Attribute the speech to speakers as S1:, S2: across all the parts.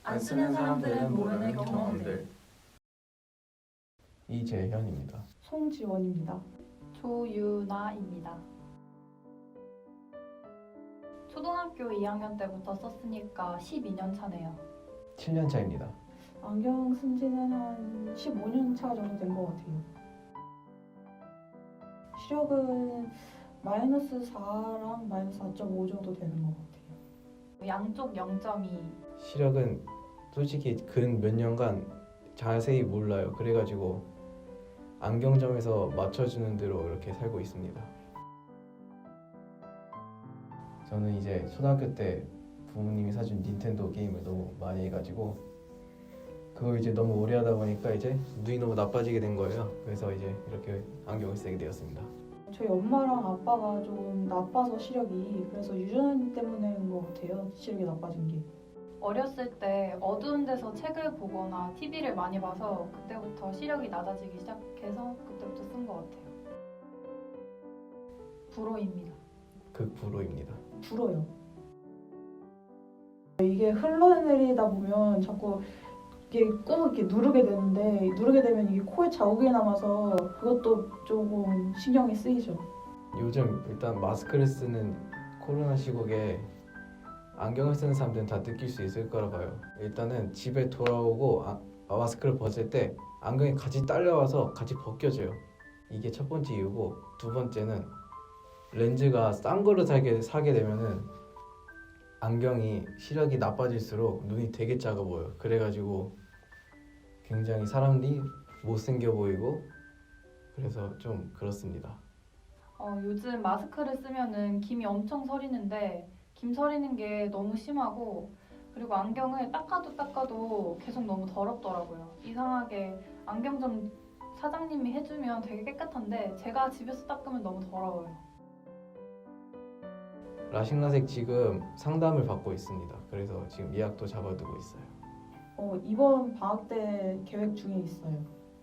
S1: 안 쓰는 사람들은 모르는 경험들.
S2: 이재현입니다.
S3: 송지원입니다.
S1: 조유나입니다. 초등학교 2학년 때부터 썼으니까 12년 차네요.
S2: 7년 차입니다.
S3: 안경 쓴 지는 한 15년 차 정도 된 것 같아요. 시력은 마이너스 4랑 마이너스 4.5 정도 되는 것 같아요.
S1: 양쪽 0.2.
S2: 시력은 솔직히 근 몇 년간 자세히 몰라요. 그래가지고 안경점에서 맞춰주는 대로 이렇게 살고 있습니다. 저는 이제 초등학교 때 부모님이 사준 닌텐도 게임을 너무 많이 해가지고 그걸 이제 너무 오래 하다 보니까 이제 눈이 너무 나빠지게 된 거예요. 그래서 이제 이렇게 안경을 쓰게 되었습니다.
S3: 저희 엄마랑 아빠가 좀 나빠서 시력이, 그래서 유전자 때문인 것 같아요. 시력이 나빠진 게.
S1: 어렸을 때 어두운 데서 책을 보거나 TV를 많이 봐서 그때부터 시력이 낮아지기 시작해서 그때부터 쓴 것 같아요. 불호입니다.
S2: 극불호입니다.
S3: 불어요. 이게 흘러내리다 보면 자꾸 이게 꾹 이렇게 누르게 되는데, 누르게 되면 이게 코에 자국이 남아서 그것도 조금 신경이 쓰이죠. 요즘
S2: 일단 마스크를 쓰는 코로나 시국에 안경을 쓰는 사람들은 다 느낄 수 있을 거라 봐요. 일단은 집에 돌아오고 마스크를 벗을 때 안경이 같이 딸려와서 같이 벗겨져요. 이게 첫 번째 이유고, 두 번째는 렌즈가 싼 거를 사게 되면은 안경이 시력이 나빠질수록 눈이 되게 작아 보여요. 그래가지고 굉장히 사람이 못생겨 보이고 그래서 좀 그렇습니다.
S1: 요즘 마스크를 쓰면은 김이 엄청 서리는데 김 서리는 게 너무 심하고, 그리고 안경을 닦아도 계속 너무 더럽더라고요. 이상하게 안경점 사장님이 해주면 되게 깨끗한데 제가 집에서 닦으면 너무 더러워요.
S2: 라식라섹 지금 상담을 받고 있습니다. 그래서 지금 예약도 잡아두고 있어요.
S3: 이번 방학 때 계획 중에 있어요.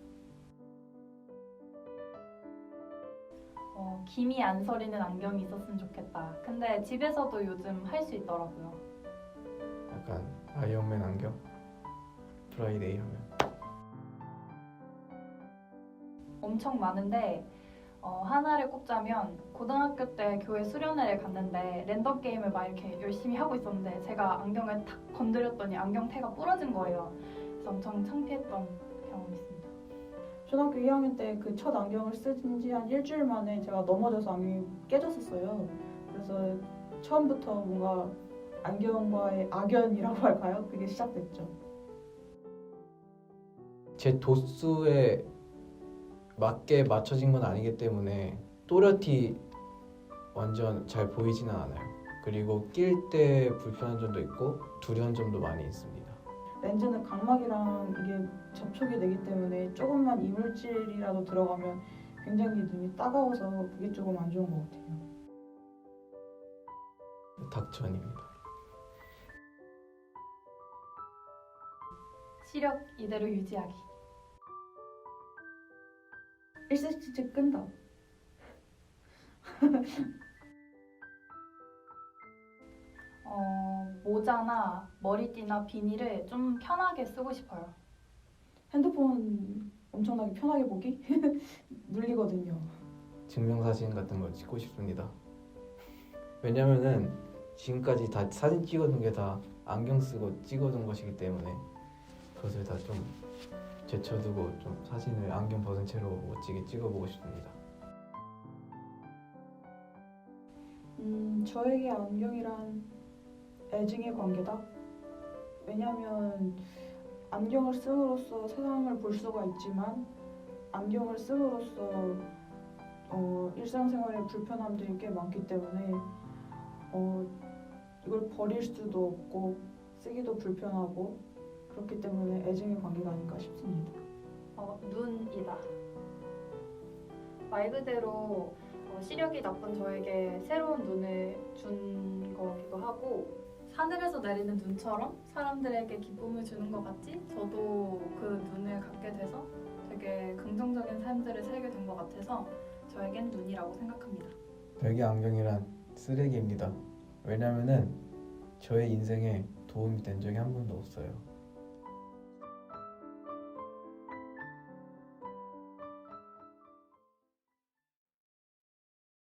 S1: 김이 안 서리는 안경이 있었으면 좋겠다. 근데 집에서도 요즘 할 수 있더라고요.
S2: 약간 아이언맨 안경? 프라이데이 하면
S1: 엄청 많은데 하나를 꼽자면 고등학교 때 교회 수련회를 갔는데 랜덤 게임을 막 이렇게 열심히 하고 있었는데 제가 안경을 탁 건드렸더니 안경테가 부러진 거예요. 그래서 엄청 창피했던 경험이 있습니다.
S3: 초등학교 2학년 때 그 첫 안경을 쓴 지 한 일주일 만에 제가 넘어져서 안경이 깨졌었어요. 그래서 처음부터 뭔가 안경과의 악연이라고 할까요? 그게 시작됐죠.
S2: 제 도수에 맞게 맞춰진 건 아니기 때문에 또렷이 완전 잘 보이지는 않아요. 그리고 낄 때 불편한 점도 있고 두려운 점도 많이 있습니다.
S3: 렌즈는 각막이랑 이게 접촉이 되기 때문에 조금만 이물질이라도 들어가면 굉장히 눈이 따가워서 그게 조금 안 좋은 것 같아요.
S2: 닥천입니다.
S1: 시력 이대로 유지하기.
S3: 1cm 끈다.
S1: 모자나 머리띠나 비닐을 좀 편하게 쓰고 싶어요.
S3: 핸드폰 엄청나게 편하게 보기? 눌리거든요.
S2: 증명사진 같은 걸 찍고 싶습니다. 왜냐면은 지금까지 다 사진 찍어둔 게 다 안경 쓰고 찍어둔 것이기 때문에 그것을 다 좀 제쳐두고 좀 사진을 안경 벗은 채로 멋지게 찍어보고 싶습니다.
S3: 저에게 안경이란 애증의 관계다. 왜냐하면 안경을 씀으로써 세상을 볼 수가 있지만 안경을 씀으로써 일상생활에 불편함들이 꽤 많기 때문에 이걸 버릴 수도 없고 쓰기도 불편하고 그렇기 때문에 애증의 관계가 아닌가 싶습니다.
S1: 눈이다. 말 그대로 시력이 나쁜 저에게 새로운 눈을 준 거기도 하고, 하늘에서 내리는 눈처럼 사람들에게 기쁨을 주는 것 같지? 저도 그 눈을 갖게 돼서 되게 긍정적인 삶들을 살게 된 것 같아서 저에겐 눈이라고 생각합니다.
S2: 별개 안경이란 쓰레기입니다. 왜냐면은 저의 인생에 도움이 된 적이 한 번도 없어요.